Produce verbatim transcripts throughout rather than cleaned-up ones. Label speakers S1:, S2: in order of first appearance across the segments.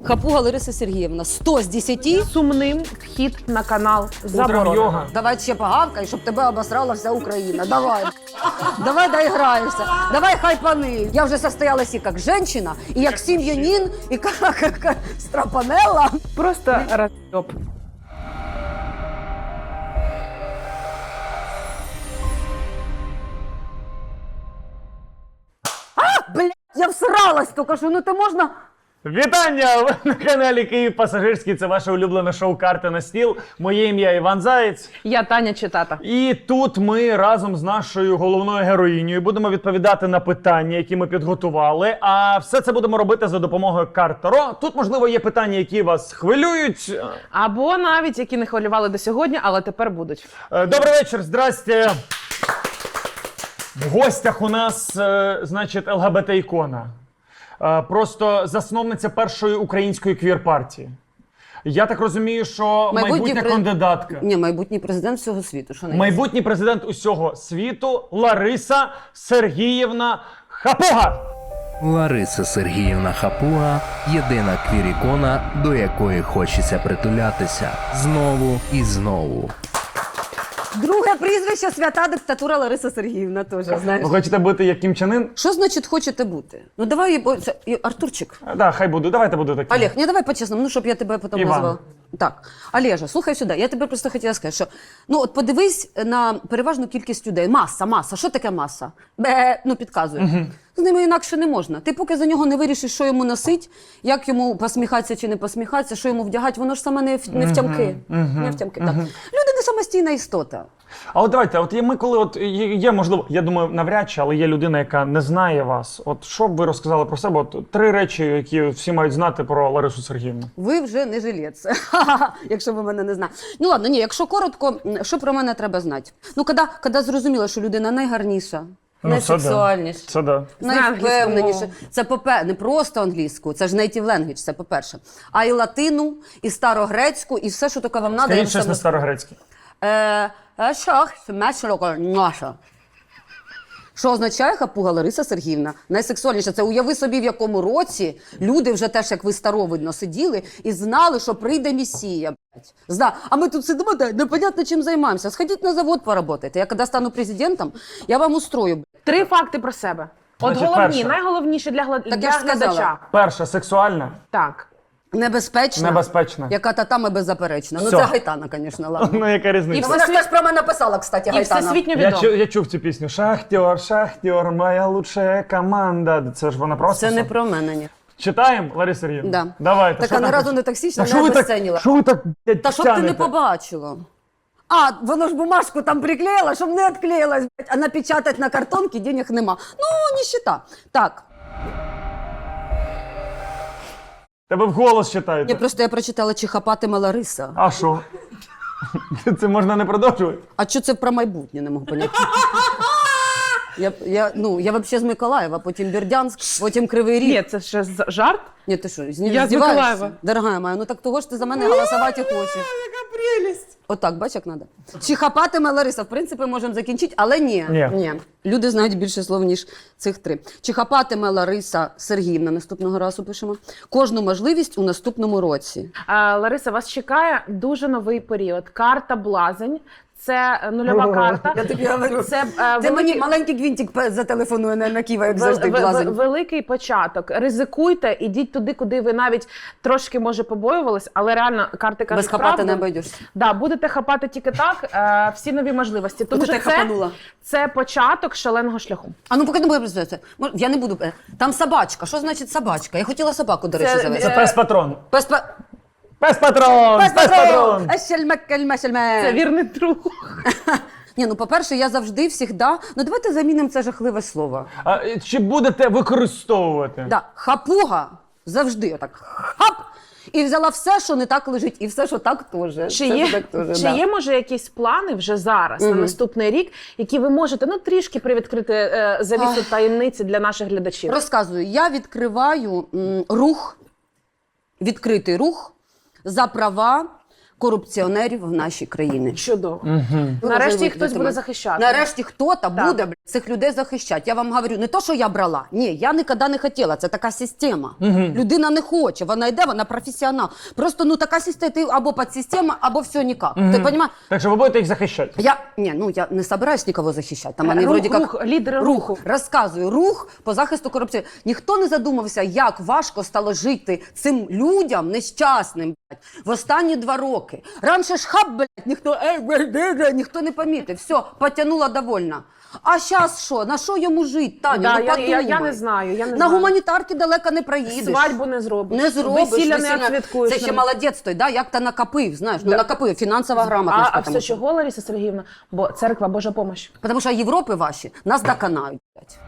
S1: Хапуга Лариса Сергіївна, сто з десяти.
S2: Сумним вхід на канал заборонено.
S3: йога.
S1: Давай ще погавкай, щоб тебе обосрала вся Україна. Давай. Давай доіграєшся. Давай хайпани. Я вже состоялась і як жінка, і як сім'янин, і як, як страпанелла.
S2: Просто розйоб.
S1: Блядь, я всралась тільки що, ну ти можна...
S3: Вітання! Ви на каналі Київ Пасажирський. Це ваше улюблене шоу «Карти на стіл». Моє ім'я Іван Заєць.
S2: Я Таня Читата.
S3: І тут ми разом з нашою головною героїнею будемо відповідати на питання, які ми підготували. А все це будемо робити за допомогою карт Таро. Тут, можливо, є питання, які вас хвилюють.
S2: Або навіть, які не хвилювали до сьогодні, але тепер будуть.
S3: Е, Добрий вечір, здрасте. В гостях у нас, е, значить, ел ге бе те-ікона. Е, Просто засновниця першої української квір-партії. Я так розумію, що майбутня
S1: пре-
S3: кандидатка.
S1: Ні, майбутній президент всього світу. Що не є?
S3: Майбутній президент усього світу Лариса Сергіївна Хапуга.
S4: Лариса Сергіївна Хапуга – єдина квір-ікона, до якої хочеться притулятися знову і знову.
S1: Друге прізвище свята диктатура Лариса Сергіївна теж, знаєш.
S3: Ви хочете бути як Кім Чен Ін?
S1: Що значить хочете бути? Ну давай, бо це- і- Артурчик.
S3: Так, да, хай буду. Давайте буду таким.
S1: Олег, не давай по-чесному, ну щоб я тебе потім
S3: Іван.
S1: назвала. Так, Олежа, слухай сюди, я тебе просто хотіла сказати, що ну от подивись на переважну кількість людей. Маса, маса. Що таке маса? Бе, ну підказує. Угу. З ними інакше не можна. Ти поки за нього не вирішиш, що йому носить, як йому посміхатися чи не посміхатися, що йому вдягати, воно ж саме не, в- не втямки. Не втямки, так. Люди не самостійна істота.
S3: А от давайте, от є ми коли от є, є, можливо, я думаю, навряд чи, але є людина, яка не знає вас. От що б ви розказали про себе? От три речі, які всі мають знати про Ларису Сергіївну.
S1: Ви вже не жилець, якщо ви мене не знаєте. Ну ладно, ні, якщо коротко, що про мене треба знати? Ну, коли, коли зрозуміло, що людина найгарніша,
S3: Ну, це да.
S1: найсексуальніша,
S3: Це да.
S2: Знає англійську
S1: найвпевненіше.
S2: мову.
S1: Це попе не просто англійську, це ж native language, це по-перше. А і латину, і старогрецьку, і все, що таке вам треба.
S3: Скажіть щось на старогрецьке.
S1: Е, шах, мешроко, наша. Що означає Хапуга Лариса Сергіївна? Найсексуальніша. Це уяви собі, в якому році люди вже теж, як ви старовидно, сиділи і знали, що прийде Месія. блядь. Зна. А ми тут сидимо, да, непонятно чим займаємося. Сходіть на завод поработайте. Я коли стану президентом, я вам устрою. блядь.
S2: Три факти про себе. От
S3: Значить,
S2: головні,
S3: перше.
S2: найголовніше для, гла...
S1: я
S2: для
S1: ж сказала.
S2: глядача.
S3: Перша сексуальна,
S2: Так.
S1: Небезпечна.
S3: небезпечна.
S1: Яка татами беззаперечна. Ну
S3: Всьо.
S1: це Гайтана, звісно, ладно.
S3: Ну, яка
S2: І
S3: різниця?
S1: Вона ж теж про мене написала, кстати,
S2: І
S1: Гайтана.
S2: всесвітньо
S3: Я,
S2: відомо.
S3: чу, я чув цю пісню. Шахтер, шахтер, моя лучшая команда. Це ж вона просто.
S1: Це не про мене, ні.
S3: Читаємо, Лариса Сергіївна?
S1: Да.
S3: Давайте.
S1: Така
S3: що
S1: ні
S3: там
S1: разу
S3: пише?
S1: не токсична,
S3: Та
S1: не
S3: що ви так,
S1: обесценила.
S3: що ви так, блядь,
S1: Та щоб ти не
S3: тянете?
S1: побачила. А, воно ж бумажку там приклеїла, щоб не відклеїлась, блядь, а напечатати на картонці денег нема. Ну, ніщита. Так,
S3: Тебе вголос читаєте.
S1: я просто я прочитала, чи хапатиме Лариса.
S3: А що? Це можна не продовжувати?
S1: А що це про майбутнє, не можу поняти. Я, я, ну, я взагалі з Миколаєва, потім Бердянськ, потім Кривий Ріг.
S2: Ні, це ще з- жарт.
S1: Ні, ти що, з
S2: Я з Миколаєва.
S1: Дорогая моя, ну так того ж ти за мене голосувати хочеш.
S2: Яка прелість.
S1: Отак, бач, як треба. Чи хапатиме Лариса? В принципі, можемо закінчити, але ні.
S3: Ні.
S1: Люди знають більше слов, ніж цих три. Чи хапатиме Лариса Сергіївна, наступного разу пишемо, кожну можливість у наступному році?
S2: А, Лариса, вас чекає дуже новий період. Карта Блазень. Це нульова карта.
S1: Я тобі говорю.
S2: Це, е,
S1: Ти
S2: великий-
S1: мені маленький гвинтик пе- зателефонує на, на Києва, як
S2: Вел-
S1: завжди,
S2: ве-
S1: блазень.
S2: ве- Великий початок. Ризикуйте, ідіть туди, куди ви навіть трошки, може, побоювались, але реально карти кажуть
S1: Без хапати
S2: правду.
S1: не обійдешся.
S2: Да, будете хапати тільки так, е, всі нові можливості. Тому
S1: От
S2: що
S1: ти
S2: це,
S1: хапанула.
S2: це початок шаленого шляху.
S1: А ну поки не буде представитися. Я не буду. е, Там собачка. Що значить собачка? Я хотіла собаку, до речі,
S2: Це,
S1: завести.
S3: Це пес-патрон.
S1: Пес па-
S3: Пес-патрон!
S1: Пес патрон!
S3: Пес-патрон!
S1: Ешельмек, кельме, шельме.
S2: Це вірний друг.
S1: Ні, ну по-перше, я завжди, всігда. Ну давайте замінимо це жахливе слово.
S3: А е, чи будете використовувати?
S1: Да, хапуга завжди отак хап. І взяла все, що не так лежить, і все, що так теж.
S2: Чи
S1: Все,
S2: є,
S1: що так теж,
S2: чи
S1: да.
S2: є, може, якісь плани вже зараз, на
S1: Мгм.
S2: наступний рік, які ви можете ну, трішки привідкрити е, завісу таємниці для наших глядачів?
S1: Розказую, я відкриваю м, рух, відкритий рух за права корупціонерів в нашій країні.
S2: Чудово.
S3: Угу.
S1: Ви
S2: Нарешті
S1: вже
S2: їх хтось
S1: вийдете
S2: буде
S1: мене.
S2: захищати.
S1: Нарешті хто-то
S2: Так.
S1: буде блядь, цих людей захищати. Я вам говорю, не то, що я брала. Ні, я ніколи не хотіла. Це така система. Людина не хоче, вона йде, вона професіонал. Просто ну така система, ти або підсистема, або все ніяк. Ти розумієш?
S3: Так що ви будете їх захищати?
S1: Я, ні, ну, я не собираюсь нікого захищати. Там вони
S2: Рух,
S1: вроді як...
S2: рух, лідери руху.
S1: Розказую, рух по захисту корупції. Ніхто не задумався, як важко стало жити цим людям нещасним, блядь, в останні два роки. Раніше ж хаб, блядь, ніхто, ей, блядь, блядь, ніхто не помітив. Все, потягнула довольно. А зараз що? На що йому жити, Таня?
S2: Да,
S1: ну,
S2: я,
S1: подумай.
S2: я, я не знаю. Я не
S1: На
S2: знаю.
S1: гуманітарки далеко не проїдеш.
S2: Свадьбу не зробиш.
S1: Не зробиш.
S2: Весілля не
S1: весілля-
S2: відсвяткуєш.
S1: Це ще молодець той, да? Як то накопив, знаєш, ну
S2: Да.
S1: накопив, фінансова
S2: А,
S1: грамотність.
S2: а
S1: потому
S2: все
S1: що.
S2: чого, Лариса Сергіївна? Бо церква Божа помощь.
S1: Потому що Європи ваші нас доконають, блядь.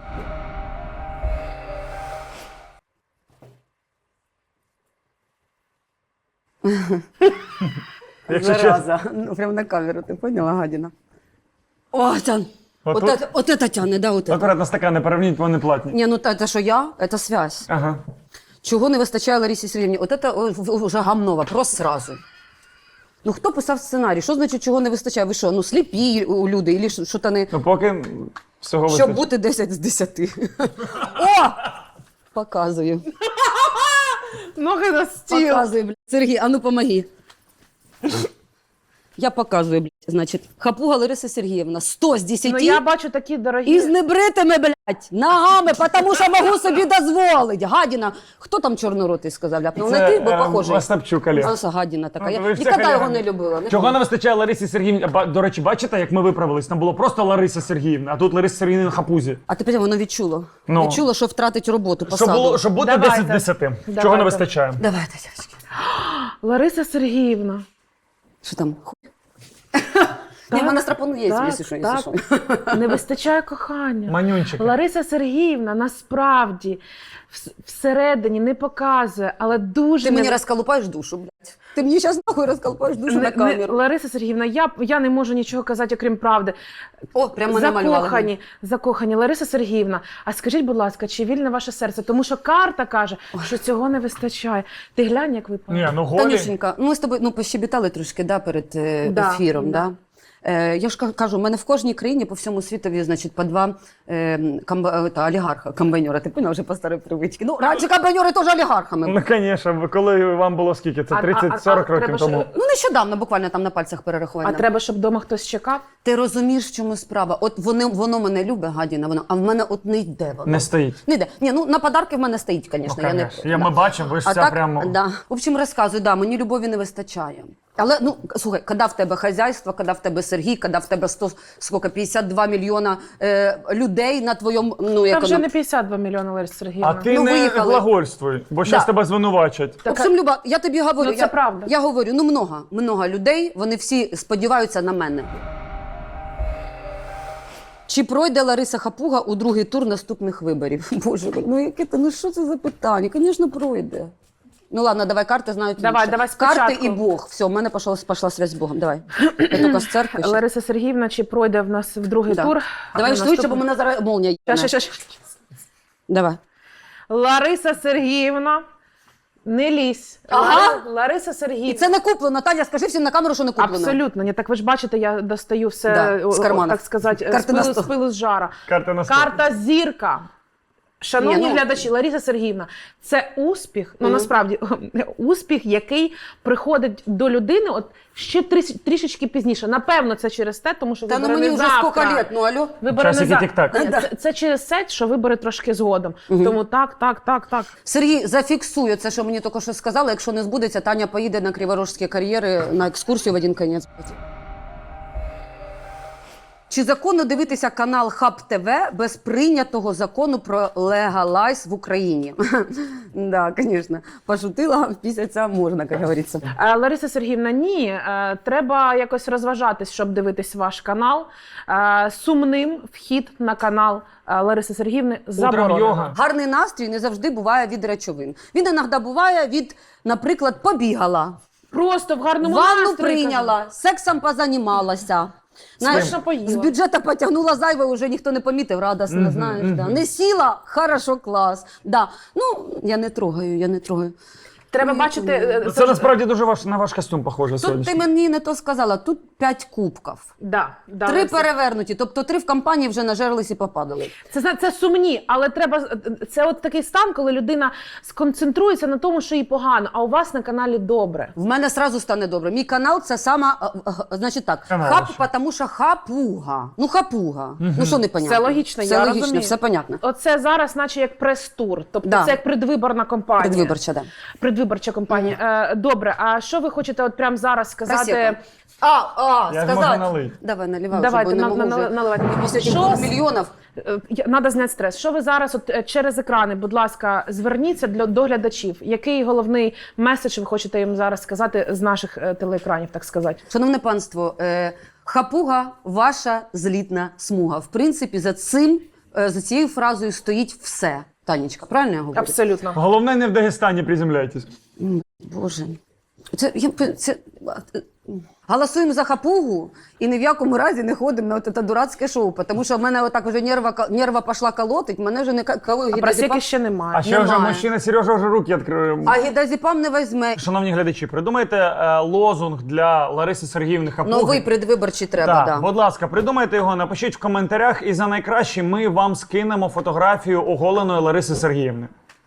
S3: Якщо чесно.
S1: Зараза. Ну, прям на камеру, ти поняла, гадіна? О, Тян.
S3: От
S1: От,
S3: тут?
S1: это, от это тяне, да, от это.
S3: Акуратно стакани переверніть, вони платні.
S1: Ні, ну та- це що я, це связь.
S3: Ага.
S1: Чого не вистачає Ларисі Сергіївні? От це о, в- вже гамно, вопрос сразу. Ну хто писав сценарій? Що значить, чого не вистачає? Ви що, ну сліпі у люди, і що то не...
S3: Ну поки всього
S1: Щоб
S3: вистачить.
S1: бути десять з десяти. О! Показую.
S2: Ноги на стіл.
S1: Показую, блядь. Сергій, а ну помоги. Я показую, блядь. Значить, хапуга Лариса Сергіївна, сто з десяти.
S2: Ну я бачу такі дорогі.
S1: І з небритими, блядь, ногами, тому що можу собі дозволити. Гадіна. Хто там чорноротий сказав? Ляпнув не ти, бо
S3: е,
S1: похожий.
S3: Остапчук, Олег.
S1: Аса гадіна така.
S3: Ну,
S1: Я
S3: ви ж
S1: ніколи
S3: це
S1: його
S3: колега.
S1: не любила. Не
S3: Чого не вистачає Ларисі Сергіївні? Ба- До речі, бачите, як ми виправились? Там було просто Лариса Сергіївна, а тут Лариса Сергіївна на хапузі.
S1: А тепер воно відчуло.
S3: Ну.
S1: Відчуло, що втратить роботу,
S3: Щоб,
S1: посаду.
S3: було, щоб бути
S2: Давайте.
S3: десять з десяти. Чого
S2: Давайте.
S3: не вистачає?
S1: Давайте, дівчатки.
S2: Лариса Сергіївна.
S1: Що там? Хуй? Ні, в мене страпону є,
S2: Так,
S1: якщо що, якщо
S2: так.
S1: що.
S2: Не вистачає кохання.
S3: Манюнчики.
S2: Лариса Сергіївна насправді вс- всередині не показує, але дуже
S1: Ти
S2: не-
S1: мені розколупаєш душу, блядь. Ти мені зараз нахуй розколупаєш душу
S2: Не-
S1: на
S2: не-
S1: камеру.
S2: Лариса Сергіївна, я, я не можу нічого казати, окрім правди.
S1: О, прямо мене малювали.
S2: Закохані, закохані. Лариса Сергіївна, а скажіть, будь ласка, чи вільне ваше серце? Тому що карта каже, що цього не вистачає. Ти глянь, як ви
S3: Ні, ну голі.
S1: Танюшенька, ну ми з тобою ну, пощебітали трошки да, перед е,
S2: Да,
S1: ефіром.
S2: да.
S1: Да. Е, я ж ка- кажу, у мене в кожній країні по всьому світові, значить, по два е, комба- е, та, олігарха, комбайнера. Ти поняв вже по старій привичці. Ну, раніше комбайнери теж олігархами.
S3: Ну, звісно, коли вам було скільки? Це
S2: А- а-
S3: тридцять-сорок
S2: а
S3: років
S2: треба
S3: тому.
S2: ж-
S1: Ну, нещодавно, буквально там на пальцях
S2: А
S1: перерахування.
S2: треба, щоб вдома хтось чекав?
S1: Ти розумієш, в чому справа? От вони, воно мене любить, гадіна, воно, а в мене от не йде воно.
S3: Не стоїть.
S1: Не йде. Ні, ну на подарки в мене стоїть, звісно.
S3: Ну,
S1: я не...
S3: конечно. Я- ми бачимо, ви ж
S1: а
S3: вся
S1: так,
S3: прямо-
S1: Да. В общем, розказую, да, мені любові не вистачає. Але, ну, слухай, коли в тебе хазяйство, коли в тебе Сергій, коли в тебе сто, скільки, п'ятдесят два мільйона е, людей на твоєму, ну,
S2: Та
S1: як
S2: вже
S1: воно...
S2: не п'ятдесят два мільйони, Лариса Сергіївна.
S3: А ти
S1: Ну,
S3: не
S1: виїхали.
S3: глагольствуй, бо зараз
S1: Да.
S3: тебе звинувачать.
S1: В общем, Люба, я тобі говорю,
S2: Ну, це
S1: я,
S2: правда.
S1: я говорю, ну, много, много людей, вони всі сподіваються на мене. Чи пройде Лариса Хапуга у другий тур наступних виборів? Боже, ну яке це, ну що це за питання? Звісно, пройде. Ну ладно, давай карти знають
S2: Давай,
S1: лучше.
S2: давай
S1: Карти
S2: спочатку.
S1: і Бог. Все, в мене пішла, пішла связь з Богом. Давай. Я тільки з церкви. ще.
S2: Лариса Сергіївна, чи пройде в нас в другий
S1: Да.
S2: тур?
S1: Давай
S2: А
S1: швидше, бо
S2: наступний-
S1: мене зараз молнія.
S2: Ща,
S1: їбане.
S2: ща, ща, ща.
S1: Давай.
S2: Лариса Сергіївна, не лізь.
S1: Ага.
S2: Лари- Лариса Сергіївна.
S1: І це не куплено. Таня, скажи всім на камеру, що не куплено.
S2: Абсолютно. Ні, так ви ж бачите, я достаю все,
S1: Да,
S2: о,
S1: з
S2: о,
S1: кармана.
S2: так сказати, з
S1: Карти на
S2: пилу,
S1: стол.
S2: з пилу з жара.
S3: Карта на стол.
S2: Карта зірка. Шановні
S1: Ні, ну-
S2: глядачі, Лариса Сергіївна, це успіх, ну насправді успіх, який приходить до людини от ще тріс- трішечки пізніше. Напевно, це через те, тому що
S1: Та ну
S2: вибори
S1: мені
S2: не
S1: вже
S2: завтра.
S1: скільки лет, ну алло.
S2: Вибори не
S3: Часики
S2: завтра.
S3: тік-так.
S2: Ні, Це, це через те, що вибори трошки згодом. Тому так, так, так, так.
S1: Сергій, зафіксує це, що мені тільки що сказали. Якщо не збудеться, Таня поїде на криворожські кар'єри на екскурсію в один кінець. Чи законно дивитися канал Хаб ТВ без прийнятого закону про легалайз в Україні? Да, звісно. Пошутила, пісяця можна, як говориться.
S2: Е, Лариса Сергіївна, ні, е, треба якось розважатись, щоб дивитись ваш канал. Е, Сумним вхід на канал е, Лариси Сергіївни
S3: Утром
S2: заборонено.
S3: йога.
S1: Гарний настрій не завжди буває від речовин. Він іноді буває від, наприклад, побігала,
S2: Просто в гарному
S1: ванну
S2: настрої,
S1: прийняла, сексом позанімалася. Знаєш,
S2: Смачно поїла.
S1: з бюджету потягнула зайве, вже ніхто не помітив, радосно, знаєш. Да. Не сіла, хорошо, клас. Да. Ну, я не трогаю, я не трогаю.
S2: Треба бачити. е,
S3: Ну, Це насправді дуже ваш, на ваш костюм похоже
S1: Тут
S3: сьогодні.
S1: ти мені не то сказала, тут п'ять кубків.
S2: Да, да,
S1: Три
S2: Лариса.
S1: перевернуті, тобто три в компанії вже нажерлись і попадали.
S2: Це, зна- це сумні, але треба. Це от такий стан, коли людина сконцентрується на тому, що їй погано, а у вас на каналі добре.
S1: В мене сразу стане добре. Мій канал це сама, е, е, значить так,
S3: Канал
S1: хап,
S3: ще.
S1: тому що хапуга. Ну хапуга. Ну що непонятно?
S2: Все логічно,
S1: все
S2: я
S1: логічно,
S2: розумію.
S1: все понятно.
S2: Оце зараз, наче як прес-тур. Тобто
S1: Да.
S2: це як предвиборна кампанія.
S1: Предвиборча, да.
S2: Предвиборча кампанія. Е, добре, а що ви хочете от прямо зараз сказати?
S1: Просека. А, а,
S3: Я ж
S1: сказати.
S3: можу налити.
S1: Давай, наливай
S2: Давайте,
S1: вже, бо
S2: на,
S1: не
S2: на,
S1: можу
S2: на,
S1: вже.
S2: наливайте.
S1: Після цих
S2: Що
S1: двох мільйонів.
S2: Треба зняти стрес. Що ви зараз от, е, через екрани, будь ласка, зверніться для до глядачів. Який головний меседж ви хочете їм зараз сказати з наших е, телеекранів, так сказати?
S1: Шановне панство, е, хапуга – ваша злітна смуга. В принципі, за цим, е, за цією фразою стоїть все. Танечка, правильно я говорю?
S2: Абсолютно.
S3: Головне, не в Дагестані приземляйтесь.
S1: Боже. Це, я, це, голосуємо за хапугу і ні в якому разі не ходимо на це дурацьке шоу, тому що в мене отак вже нерва, нерва пішла колотить, мене вже не коло
S2: А просеки ще немає.
S3: А ще вже
S1: Немає.
S3: мужчина Сережа вже руки відкрив.
S1: А гідазепам не візьме.
S3: Шановні глядачі, придумайте е, лозунг для Лариси Сергіївни Хапуги.
S1: Новий предвиборчий треба,
S3: Так,
S1: да.
S3: будь ласка, придумайте його, напишіть в коментарях, і за найкраще ми вам скинемо фотографію оголеної Лариси Сергіївни.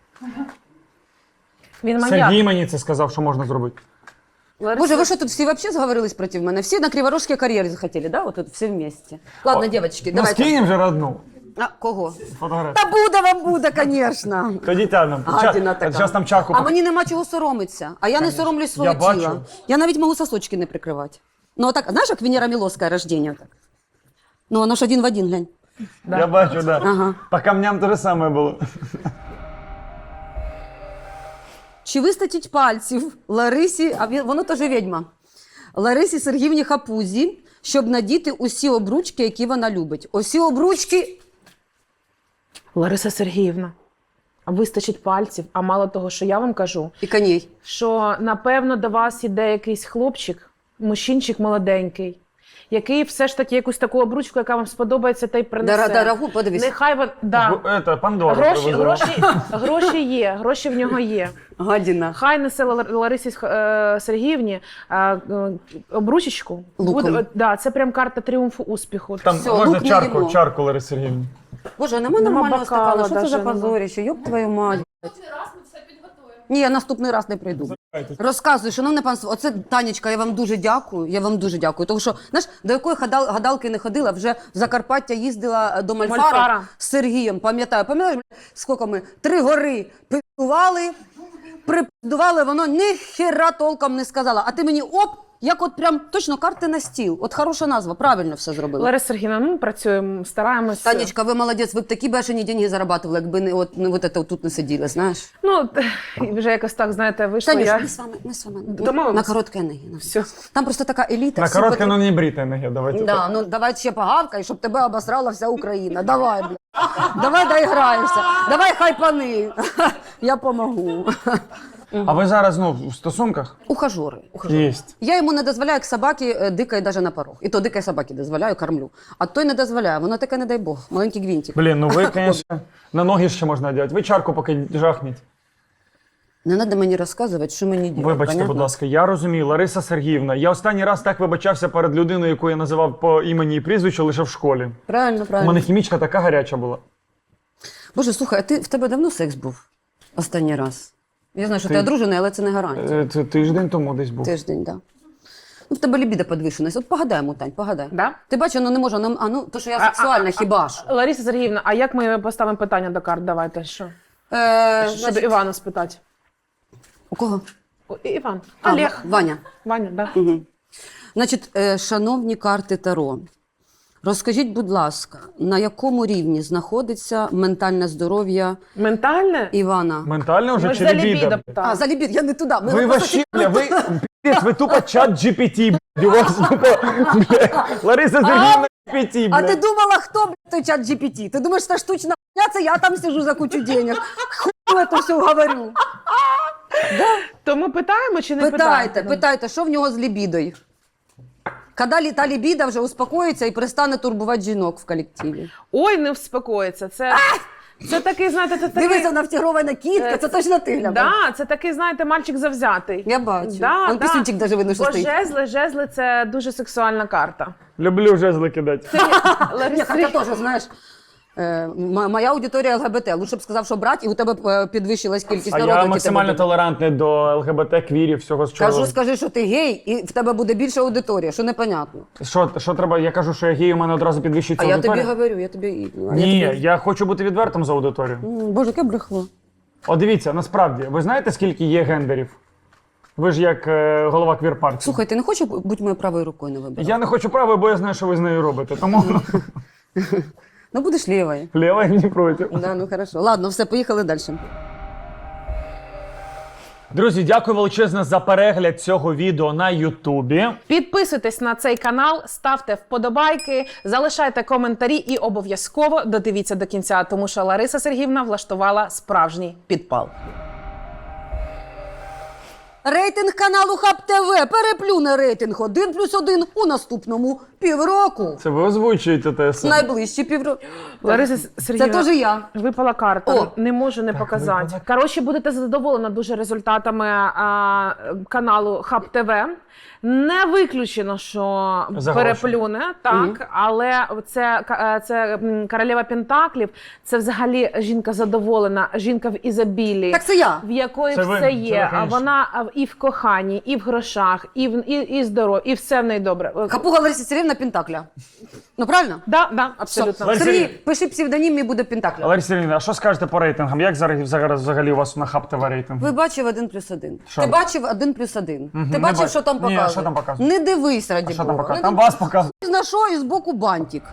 S2: Він маньяк.
S3: Сергій мені це сказав, що можна зробити.
S2: Лариса-
S1: Боже, ви що тут всі вообще зговорились проти мене? Всі на Криворожській кар'єрі захотіли, да? Вот тут всі вместе. Ладно,
S3: О,
S1: девочки,
S3: Ну,
S1: давайте.
S3: скинемо вже одну
S1: А, кого?
S3: фотографію.
S1: Та буде вам буде, звісно.
S3: Тоді тягнемо.
S1: Гадіна така.
S3: Зараз там чарку.
S1: А
S3: пок-
S1: мені нема чого соромитися. А я не соромлюсь свого
S3: Я бачу.
S1: тіла. Я навіть можу сосочки не прикривати. Ну, отак, знаєш, як Венера Міловська рождення? Так. Ну, воно ж один в один, глянь.
S3: Я бачу, так. Да.
S1: Ага.
S3: По камням те ж саме було.
S1: Чи вистачить пальців Ларисі, а він- воно теж відьма, Ларисі Сергіївні Хапузі, щоб надіти усі обручки, які вона любить? Усі обручки.
S2: Лариса Сергіївна, а вистачить пальців, а мало того, що я вам кажу,
S1: І коней.
S2: що напевно до вас іде якийсь хлопчик, мужчинчик молоденький, який все ж таки якусь таку обручку, яка вам сподобається, та й принесе.
S1: Дора- Дорогу, подивись.
S2: Нехай вон, да.
S3: Гу- Ета, Пандора
S2: Гроші,
S3: привезла.
S2: гроші, гроші є, гроші в нього є.
S1: Гадіна.
S2: Хай несе Лар- Ларисі е, Сергіївні е, е, обручечку.
S1: Луком.
S2: Буде- да, це прям карта тріумфу успіху.
S3: Там
S1: Всьо,
S3: можна
S1: лук не
S3: чарку,
S1: їмо.
S3: чарку Лариси Сергіївни.
S1: Боже, а нема
S2: Нема
S1: нормального
S2: бокала
S1: стакана. Що це
S2: даже,
S1: за
S2: нема.
S1: позоріще? Йоп твою мать. Ні, я наступний раз не прийду. Розказуй, шановне панство, оце Танечка, я вам дуже дякую. Я вам дуже дякую. Тому що, знаєш, до якої гадал- гадалки не ходила, вже в Закарпаття їздила до Мальфара,
S2: Мальфара.
S1: з Сергієм. Пам'ятаю, пам'ятаєш, скільки ми три гори пидували, припидували, воно ніхера толком не сказала. А ти мені оп, як от прям точно карти на стіл. От хороша назва, правильно все зробила.
S2: Лариса Сергіївна, ну, ми працюємо, стараємося.
S1: Танечка, ви молодець, ви б такі бешені деньги зарабатували, якби не от не от це тут не сиділи, знаєш.
S2: Ну, вже якось так, знаєте, вийшло.
S1: Танюш,
S2: Я...
S1: ми з вами, ми з вами
S2: Домовились?
S1: на коротке ноги. на все.
S2: Все.
S1: Там просто така еліта.
S3: На
S1: всі
S3: коротке,
S1: потр-
S3: ну не бріте ноги, давайте.
S1: Да,
S3: так.
S1: ну давай ще погавкай, щоб тебе обосрала вся Україна. Давай, бля. Давай доіграєшся. Давай хайпани. Я помогу.
S3: А ви зараз, ну, в стосунках?
S1: Ухажори. ухажори.
S3: Єсть.
S1: Я йому не дозволяю як собаки е, дикає навіть на порог. І то дикає собаки дозволяю, кормлю. А той не дозволяє. Воно таке, не дай Бог. Маленький гвинтик.
S3: Блін, ну ви, звісно, на ноги ще можна одягати. Ви чарку поки жахніть.
S1: Не треба мені розказувати, що мені робити.
S3: Вибачте, будь ласка, я розумію, Лариса Сергіївна, я останній раз так вибачався перед людиною, яку я називав по імені і прізвищу лише в школі.
S1: Правильно,
S3: У
S1: правильно.
S3: мене хімічка така гаряча була.
S1: Боже, слухай, а ти, в тебе давно секс був? Останній раз? Я знаю, що ти,
S3: Ти-
S1: одружений, але це не гарантія.
S3: Е, Це тиждень тому десь був.
S1: Тиждень, так. Да. Ну, в тебе лібідо підвищеність. От погадаємо, Тань, погадай.
S2: Да?
S1: Ти бачиш, ну не може, ну, а ну, то, що я
S2: А-
S1: сексуальна, хіба ж?
S2: Лариса Сергіївна, а як ми поставимо питання до карт? Давайте, що?
S1: Е,
S2: Щоб
S1: значить,
S2: Івана спитати.
S1: у кого?
S2: О, І- Іван.
S1: А,
S2: Олег.
S1: Ва- Ваня.
S2: Ваня, да.
S1: Угу. Значить, е, шановні карти Таро, розкажіть, будь ласка, на якому рівні знаходиться ментальне здоров'я
S2: Ментальне?
S1: Івана?
S3: Ментально вже
S2: Ми ж
S3: чи
S2: за
S3: лібідо?
S2: лібідо
S1: А,
S2: питали.
S1: за лібід, я не туди. Ми
S3: Ви
S1: просто
S3: вообще, бля, ви, піздець, ви тупо чат джі пі ті, блядь, у вас тупо, бля, Лариса Сергіївна джі пі ті,
S1: А ти
S3: блядь.
S1: думала, хто, блядь, той чат джі пі ті? Ти думаєш, це штучна хуйня, це я там сижу за кучу денег. Хуй це все говорю.
S2: То ми питаємо чи не
S1: Питайте,
S2: питаємо?
S1: питайте, що в нього з лібідою? Коли та лібіда вже успокоїться і перестане турбувати жінок в колективі.
S2: Ой, не вспокоїться. Це Це такий, знаєте, це такий...
S1: Дивися, навтігрована кітка, це точно ти, Гляба.
S2: Да, це такий, знаєте, мальчик завзятий.
S1: Я бачу.
S2: Да,
S1: Он
S2: да.
S1: пісюнчик даже видно, що
S2: Бо
S1: стоїть.
S2: жезли, жезли – це дуже сексуальна карта.
S3: Люблю жезли кидати.
S1: Ні, хоча теж, знаєш, е, м- моя аудиторія ЛГБТ. Лучше б сказав, що брать, і у тебе е, підвищилась кількість
S3: А
S1: народу.
S3: я
S1: який
S3: максимально
S1: тебе буде.
S3: толерантний до ЛГБТ, квірів, всього з чого.
S1: Кажу, скажи, що ти гей, і в тебе буде більша аудиторія, що непонятно.
S3: Що, що треба? Я кажу, що я гей, у мене одразу
S1: А
S3: підвищується
S1: я тобі
S3: аудиторія.
S1: говорю, я тобі... а
S3: Ні,
S1: я
S3: я,
S1: тобі...
S3: хочу бути відвертим з аудиторією.
S1: М, Боже, яке брехло.
S3: О, дивіться, насправді, ви знаєте, скільки є гендерів? Ви ж як е, голова квір-партії.
S1: Слухай, ти не хочеш бути моєю правою рукою на виборах?
S3: Я не хочу правої, бо я знаю, що ви з нею робите. Тому
S1: Ну, будеш лівою.
S3: ліва не проти.
S1: Да, ну хорошо. Ладно, все, поїхали далі.
S3: Друзі, дякую величезно за перегляд цього відео на Ютубі.
S2: Підписуйтесь на цей канал, ставте вподобайки, залишайте коментарі і обов'язково додивіться до кінця, тому що Лариса Сергіївна влаштувала справжній підпал.
S1: Рейтинг каналу Хаб ТВ переплюне рейтинг один плюс один у наступному півроку.
S3: Це ви озвучуєте те саме.
S1: Найближчі півроку.
S2: Лариса
S1: Це
S2: Сергіївна,
S1: теж я.
S2: випала карта,
S1: О!
S2: не можу не показати.
S3: випала.
S2: Коротше, будете задоволена дуже результатами а, каналу Хаб ТВ. Не виключено, що
S3: За
S2: переплюне, так, але це, ка- це м, королева Пентаклів, це взагалі жінка задоволена, жінка в ізобілії.
S1: Так це я.
S2: В якої
S3: Це ви,
S2: все
S3: це
S2: є.
S3: ви,
S2: А
S3: конечно.
S2: вона а, і в коханні, і в грошах, і в і, і здоров'я, і все в неї добре.
S1: Хапуга Лариса Сергіївна Пентакля. Ну, правильно?
S2: Да, да, абсолютно.
S3: Лариса
S1: Сергій,
S3: Сергіївна.
S1: пиши псевдонім і буде Пентакля.
S3: Лариса Сергіївна, а що скажете по рейтингам? Як зараз, зараз взагалі у вас на Хаб ТВ рейтинг?
S1: Ви бачив один плюс один.
S3: Що?
S1: Ти бачив один плюс один.
S3: Мгм,
S1: Ти
S3: не
S1: бачив,
S3: бачу.
S1: що там
S3: Ні,
S1: показує?
S3: а що там показує?
S1: Не дивись, раді
S3: А що там
S1: Бога.
S3: показує?
S1: Не
S3: Там
S1: дивись.
S3: вас показує.
S1: На що і збоку бантик.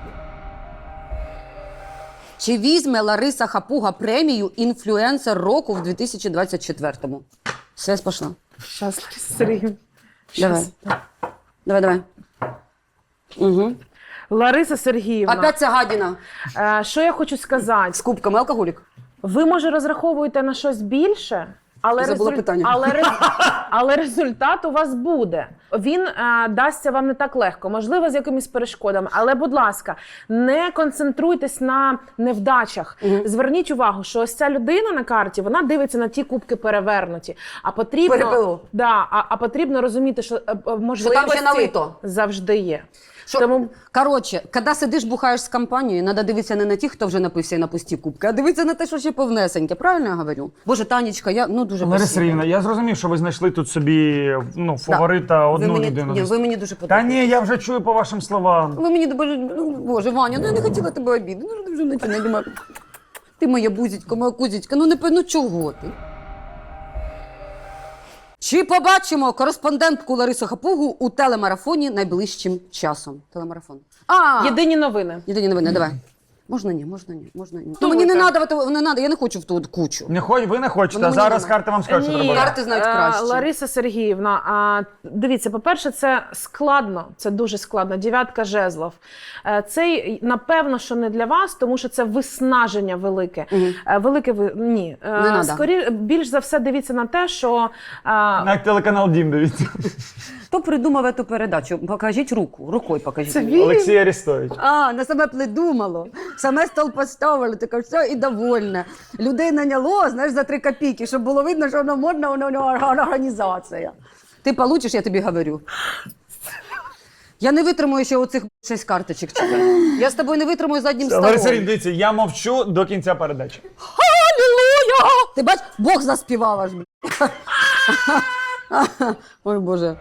S1: Чи візьме Лариса Хапуга премію «Інфлюенсер року» в дві тисячі двадцять четвертому? Связь пішла.
S2: Щас, Лариса Сергіївна.
S1: Давай.
S2: Щас.
S1: Давай, давай. Угу.
S2: Лариса Сергіївна,
S1: Опять ця гадіна.
S2: е, що я хочу сказати?
S1: З кубками алкоголік.
S2: Ви, може, розраховуєте на щось більше, але,
S1: Забула питання.
S2: але, рез- але результат у вас буде. Він е, дасться вам не так легко, можливо, з якимись перешкодами. Але, будь ласка, не концентруйтесь на невдачах. Зверніть увагу, що ось ця людина на карті, вона дивиться на ті кубки перевернуті. А потрібно,
S1: Перепило.
S2: да, а, а потрібно розуміти, що е, е, можливості
S1: ще налито.
S2: завжди є.
S1: Що,
S2: Тому
S1: Коротше, коли сидиш, бухаєш з компанією, треба дивитися не на тих, хто вже напився і на пусті кубки, а дивитися на те, що ще повнесеньке. Правильно я говорю? Боже, Танечка, я ну дуже
S3: Лариса
S1: спасибо.
S3: Сергіївна, я зрозумів, що ви знайшли тут собі ну, фаворита
S1: ви
S3: одну
S1: мені,
S3: людину.
S1: ні, ви мені дуже
S3: Та
S1: подобаєтесь.
S3: ні, я вже чую по вашим словам.
S1: Ви мені дуже, ну, Боже, Ваня, ну я не хотіла тебе обідати. Ну ти вже починай, думаю, ти моя бузічка, моя кузічка, ну не пи- ну чого ти? Чи побачимо кореспондентку Ларису Хапугу у телемарафоні найближчим часом? Телемарафон. А,
S2: єдині новини.
S1: єдині новини, давай. Можна ні, можна ні, можна ні. Ну,
S2: Думайте.
S1: мені не треба, не треба, я не хочу в ту от кучу.
S3: Не хоч, ви не хочете,
S1: Воно
S3: а
S1: мені
S3: зараз
S1: не
S3: карти вам скажуть, що
S2: Ні,
S3: треба.
S1: Карти знають
S2: е,
S1: краще.
S2: Лариса Сергіївна, а, дивіться, по-перше, це складно, це дуже складно. Дев'ятка жезлов. Е, Це, напевно, що не для вас, тому що це виснаження велике.
S1: Мгм.
S2: Е, Велике ви... Ні. Е,
S1: Не надо.
S2: Скорі... Більш за все дивіться на те, що... е,
S3: На телеканал Дім, дивіться.
S1: Хто придумав цю передачу? Покажіть руку, рукою покажіть.
S2: Це
S1: мені.
S2: він?
S3: Олексій Арістович.
S1: А, на саме придумало. Саме стол поставили, таке все і довольне. Людей наняло, знаєш, за три копійки, щоб було видно, що воно модна, воно воно організація. Ти получиш, я тобі говорю. Я не витримую ще оцих шість карточок. чекай. Я з тобою не витримую заднім столом.
S3: Лариса Сергіївна, дивіться, я мовчу до кінця передачі.
S1: Алілуя! Ти бач, Бог заспівав аж. блін. Ой, Боже.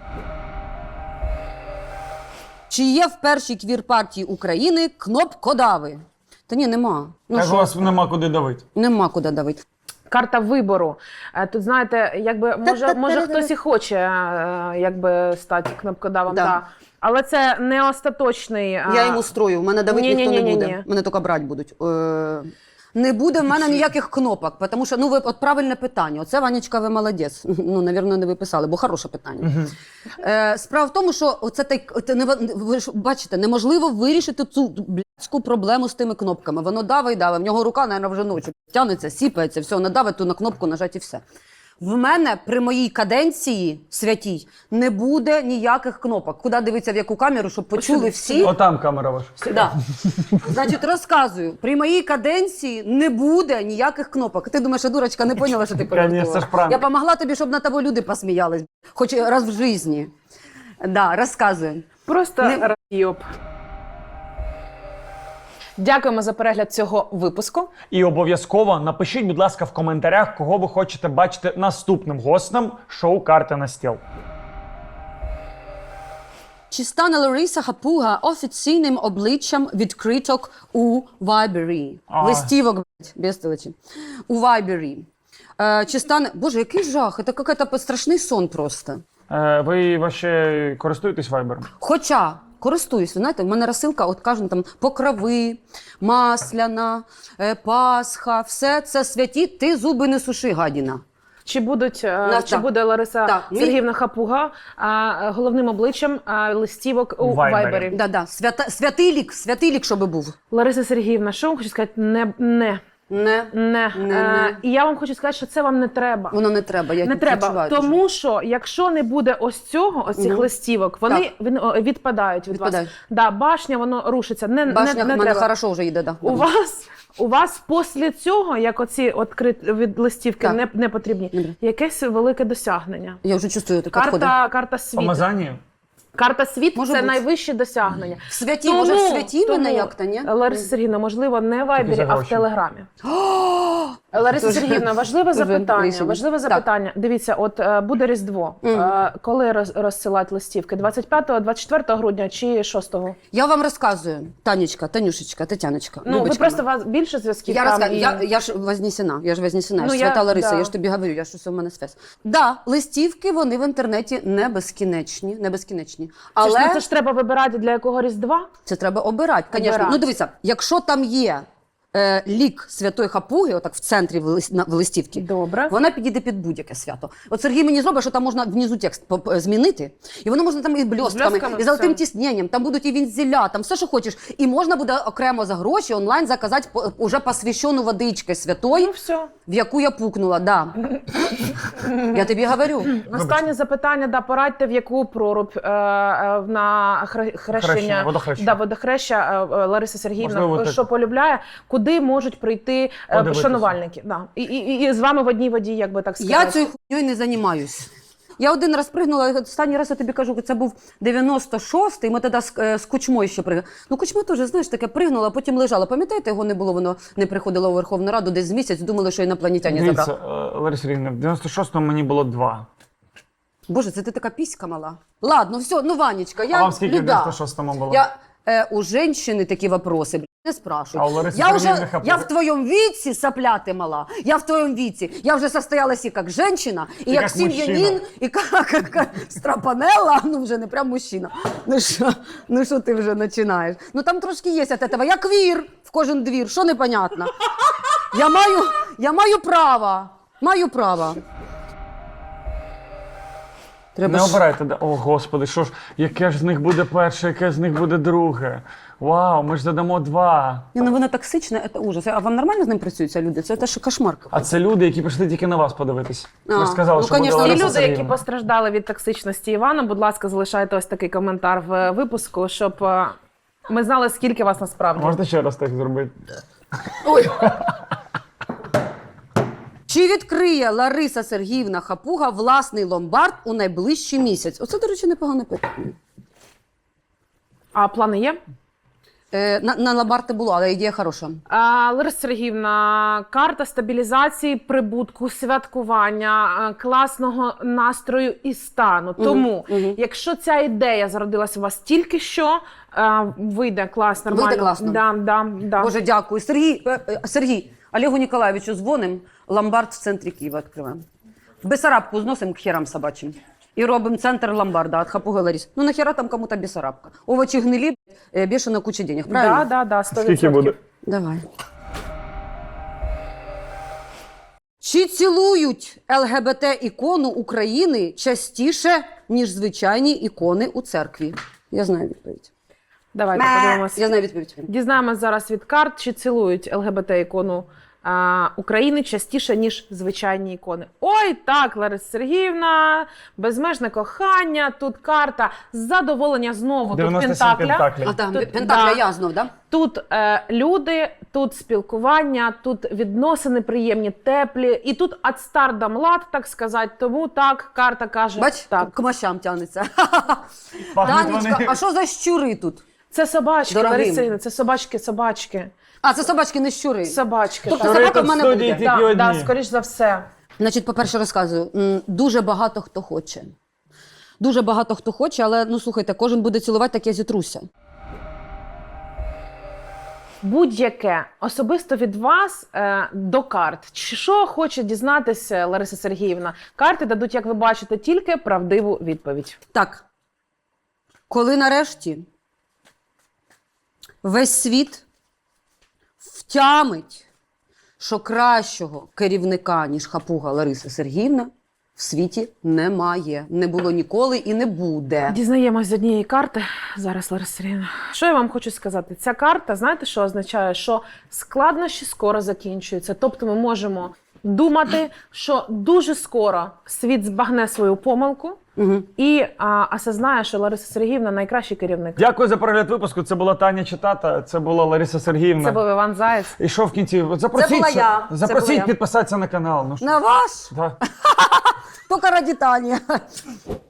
S1: Чи є в першій квір-партії України кнопкодави? Та ні, нема. Ну
S3: Так у
S1: що?
S3: вас нема куди давити.
S1: Нема куди давити.
S2: Карта вибору. Е, Тут, знаєте, якби, може, може хтось і хоче е, якби, стати кнопкодавом,
S1: Да.
S2: да. Але це не остаточний... е,
S1: Я йому строю, в мене давити ніхто не
S2: Ні-ні-ні-ні-ні.
S1: буде. Мене тільки брати будуть. Е, Не буде в мене ніяких кнопок, тому що, ну, ви, от правильне питання. Оце, Ванечка, ви молодець. Ну, навірно, не ви писали, бо хороше питання. Е, справа в тому, що оце так, це не, ви ж бачите, неможливо вирішити цю блядську проблему з тими кнопками. Воно давить, давить, в нього рука, навіть, вже ночі тягнеться, сіпається, все, надавить ту на кнопку, нажать і все. В мене при моїй каденції святій не буде ніяких кнопок. Куди дивитися, в яку камеру, щоб почули всі.
S3: Отам камера ваша.
S1: Да. Значить, розказую. При моїй каденції не буде ніяких кнопок. Ти думаєш, що дурочка не поняла, що ти
S3: Конечно,
S1: пожартувала?
S3: ж пранк.
S1: Я помогла тобі, щоб на тебе люди посміялись. Хоч раз в житті. Да, розказую.
S2: Просто
S1: Не-
S2: райоп. Дякуємо за перегляд цього випуску.
S3: І обов'язково напишіть, будь ласка, в коментарях, кого ви хочете бачити наступним гостем шоу «Карти на стіл».
S1: Чи стане Лариса Хапуга офіційним обличчям відкриток у Вайбері?
S3: А.
S1: Листівок, блядь, без телечі. У Вайбері. Е, чи стане... Боже, який жах, це якийсь страшний сон просто.
S3: Е, ви вообще користуєтесь вайбером?
S1: Хоча користуюсь, ви знаєте, в мене розсилка, от кажуть, там покрови, масляна, е, Пасха, все це святі, ти зуби не суши, гадіна.
S2: Чи будуть е,
S1: На-
S2: чи
S1: так.
S2: буде Лариса
S1: Так, мій-
S2: Сергіївна Хапуга а, головним обличчям а, листівок у
S3: У Вайбері.
S2: Вайбері?
S1: Да-да, свята, святий лік, святий лік, щоб був.
S2: Лариса Сергіївна, що вам хочу сказати? Не, не,
S1: Не,
S2: не.
S1: Не,
S2: Е,
S1: не.
S2: І я вам хочу сказати, що це вам не треба.
S1: воно не треба, я
S2: Не треба,
S1: відчуваю
S2: тому
S1: дуже.
S2: що якщо не буде ось цього, ось цих
S1: Мгм.
S2: листівок, вони
S1: Так.
S2: він, о, відпадають від
S1: Відпадають.
S2: вас. Да, башня, воно рушиться. Не,
S1: Башня
S2: не,
S1: в
S2: не
S1: мене
S2: треба.
S1: хорошо вже йде, да.
S2: У вас, у вас після цього, як оці відкрит від листівки
S1: Так.
S2: не, не потрібні,
S1: Добре.
S2: якесь велике досягнення.
S1: Я вже чувствую таке відходи.
S2: Карта, карта світу.
S3: Помазання?
S2: Карта світ
S1: Може
S2: це
S1: бути.
S2: найвище досягнення.
S1: В святі, може, в святі
S2: тому,
S1: мене як-то, ні?
S2: Лариса Сергіївна, можливо, не в Вайбері,
S3: за
S2: а в
S3: гроші.
S2: Телеграмі. Лариса
S1: Дуже-
S2: Сергіївна, важливе
S1: дуже
S2: запитання.
S1: рішення.
S2: Важливе
S1: Так.
S2: запитання. Дивіться, от е, буде Різдво.
S1: Мгм.
S2: Е, коли роз, розсилати листівки? двадцять п'ятого, двадцять четвертого грудня чи шостого?
S1: Я вам розказую, Танечка, Танюшечка, Тетяночка,
S2: Ну, ви
S1: Любочка
S2: просто
S1: моя.
S2: вас більше зв'язків
S1: Я,
S2: там
S1: розказ...
S2: і...
S1: я, я ж вознесена, я ж вознесена,
S2: Ну,
S1: я ж
S2: я-
S1: свята Лариса,
S2: да.
S1: я ж тобі говорю, я ж усе в мене связь. Да, листівки, вони в інтернеті не безкінечні, не безкінечні.
S2: Це,
S1: Але
S2: ж, ну, це ж треба вибирати для якого Різдва?
S1: це треба обирати, звісно.
S2: Обирати.
S1: Ну, дивіться, якщо там є е, лік Святої Хапуги, отак в центрі в, лист, на, в листівці,
S2: Добре.
S1: вона підійде під будь-яке свято. От Сергій мені зробить, що там можна внизу текст поп- е, змінити, і воно можна там і блістками,
S2: блістками,
S1: і золотим
S2: все.
S1: тісненням, там будуть і вінзеля, там все, що хочеш. І можна буде окремо за гроші онлайн заказати по- уже посвящену водичкою святої,
S2: Ну, все.
S1: в яку я пукнула, да. Я тобі говорю.
S2: Останнє запитання, да, порадьте, в яку прорубь е, е, на хре- хрещення,
S3: Хрещення, водохрещення.
S2: Да, водохреща е, е, Лариса Сергіївна,
S3: Можливо, так.
S2: що полюбляє, куди можуть прийти е,
S3: Подивитися.
S2: шанувальники. Да. І, і, і з вами в одній воді, як би так сказати.
S1: Я цією хуйньою не займаюсь. Я один раз пригнула, останній раз я тобі кажу, це був дев'яносто шостий, ми тоді з, е, з Кучмою ще пригнули. Ну, Кучма теж, знаєш, таке пригнула, а потім лежала. Пам'ятаєте, його не було, воно не приходило у Верховну Раду десь з місяць, думали, що інопланетяні
S3: Дивіться,
S1: забрали.
S3: е, Лариса Сергіївна, в дев'яносто шостому мені було два.
S1: Боже, це ти така піська мала. Ладно, все, ну, Ванечка, я
S3: А вам скільки в
S1: люда.
S3: дев'яносто шостому було?
S1: Я, е, у женщини такі вопроси, блядь, не спрашують.
S3: А у Лариси
S1: Я
S3: Сергіївни
S1: вже,
S3: Хапуги?
S1: я в твоєму віці, сопляти мала, я в твоєму віці, я вже состоялась і як женщина, і,
S3: І
S1: як
S3: як
S1: сім'янин,
S3: мужчина.
S1: і як, як, як страпанела, ну вже не прям мужчина. Ну що, ну що ти вже починаєш? Ну там трошки є від этого. Я квір в кожен двір, що непонятно? Я маю, я маю право, маю право. Треба
S3: Не
S1: ж-
S3: обирайте. да. О, Господи, що ж, яке ж з них буде перше, яке з них буде друге? Вау, ми ж задамо два.
S1: Ні, ну воно токсичне, це ужас. А вам нормально з ним працюються люди? Це теж кошмар.
S3: А це люди, які прийшли тільки на вас подивитись.
S1: А,
S3: Ви ж сказали,
S1: ну,
S3: що буде
S1: конечно,
S2: Ті
S3: Лариса
S2: люди, які
S3: Сергіївна.
S2: постраждали від токсичності Івана, будь ласка, залишайте ось такий коментар в е, випуску, щоб е, ми знали, скільки вас насправді.
S3: Можете ще раз так зробити?
S1: Ой. Чи відкриє Лариса Сергіївна Хапуга власний ломбард у найближчий місяць? Оце, до речі, непогане питання.
S2: А плани є?
S1: Е, на, на ломбард не було, але ідея хороша.
S2: А, Лариса Сергіївна, карта стабілізації, прибутку, святкування, е, класного настрою і стану. Тому,
S1: мгм.
S2: якщо ця ідея зародилася у вас тільки що, е, вийде клас, нормально.
S1: Вийде класно.
S2: Да, да, да.
S1: Боже, дякую. Сергій, е, е, Сергій, Олегу Ніколаєвичу дзвоним, ломбард в центрі Києва відкриваємо. В Бесарабку зносимо к херам собачим. І робимо центр ломбарда від Хапуги Ларіс. Ну нахера там кому-то Бесарабка? Овочі гнилі, е, бешено куча денег, правильно?
S2: Да, да, да, сто відсотків.
S3: Скільки буде?
S1: Давай. Чи цілують ЛГБТ-ікону України частіше, ніж звичайні ікони у церкві? Я знаю відповідь.
S2: Давайте подивимося.
S1: Я знаю відповідь.
S2: Дізнаємось зараз від карт, чи цілують ЛГБТ-ікону а, України частіше, ніж звичайні ікони. Ой, так, Лариса Сергіївна, безмежне кохання, тут карта задоволення знову, тут
S3: дев'яносто сім
S2: пентакля.
S3: пентаклів.
S1: А там
S2: Тут-
S1: Пентакля
S2: да.
S1: я знов, да?
S2: Тут е, люди, тут спілкування, тут відносини приємні, теплі, і тут от стардам лад, так сказати. Тому так, карта каже
S1: Бач,
S2: так.
S1: к мощам тягнеться.
S3: Пахнуть
S1: Танечка,
S3: вони.
S1: а що за щури тут?
S2: Це собачки,
S1: Дорогим.
S2: Лариса Сергіївна, це собачки, собачки.
S1: А, це собачки, не щури.
S2: Собачки.
S1: Тобто
S2: так.
S3: Щури
S1: собака в
S3: тут
S1: мене
S3: в студії
S1: буде.
S3: тільки
S2: Да,
S3: одні.
S2: да, скоріш за все.
S1: Значить, по-перше, розказую. М, Дуже багато хто хоче. Дуже багато хто хоче, але, ну, слухайте, кожен буде цілувати, так я зітруся.
S2: Будь-яке особисто від вас е, до карт. Чи що хоче дізнатися Лариса Сергіївна? Карти дадуть, як ви бачите, тільки правдиву відповідь.
S1: Так, коли нарешті весь світ втямить, що кращого керівника, ніж хапуга Лариса Сергіївна, в світі немає. Не було ніколи і не буде.
S2: Дізнаємось з однієї карти зараз, Лариса Сергіївна. Що я вам хочу сказати? Ця карта, знаєте, що означає? Що складнощі скоро закінчуються. Тобто ми можемо думати, що дуже скоро світ збагне свою помилку
S1: Угу.
S2: і а, осознає, що Лариса Сергіївна найкращий керівник.
S3: Дякую за перегляд випуску. Це була Таня Читата, це була Лариса Сергіївна.
S2: Це був Іван Заєць.
S3: І що в кінці? От Запросіть,
S1: Це була я. Це
S3: запросіть
S1: була я.
S3: підписатися на канал. Ну, що?
S1: На ваш?
S3: Да.
S1: Тільки раді Тані.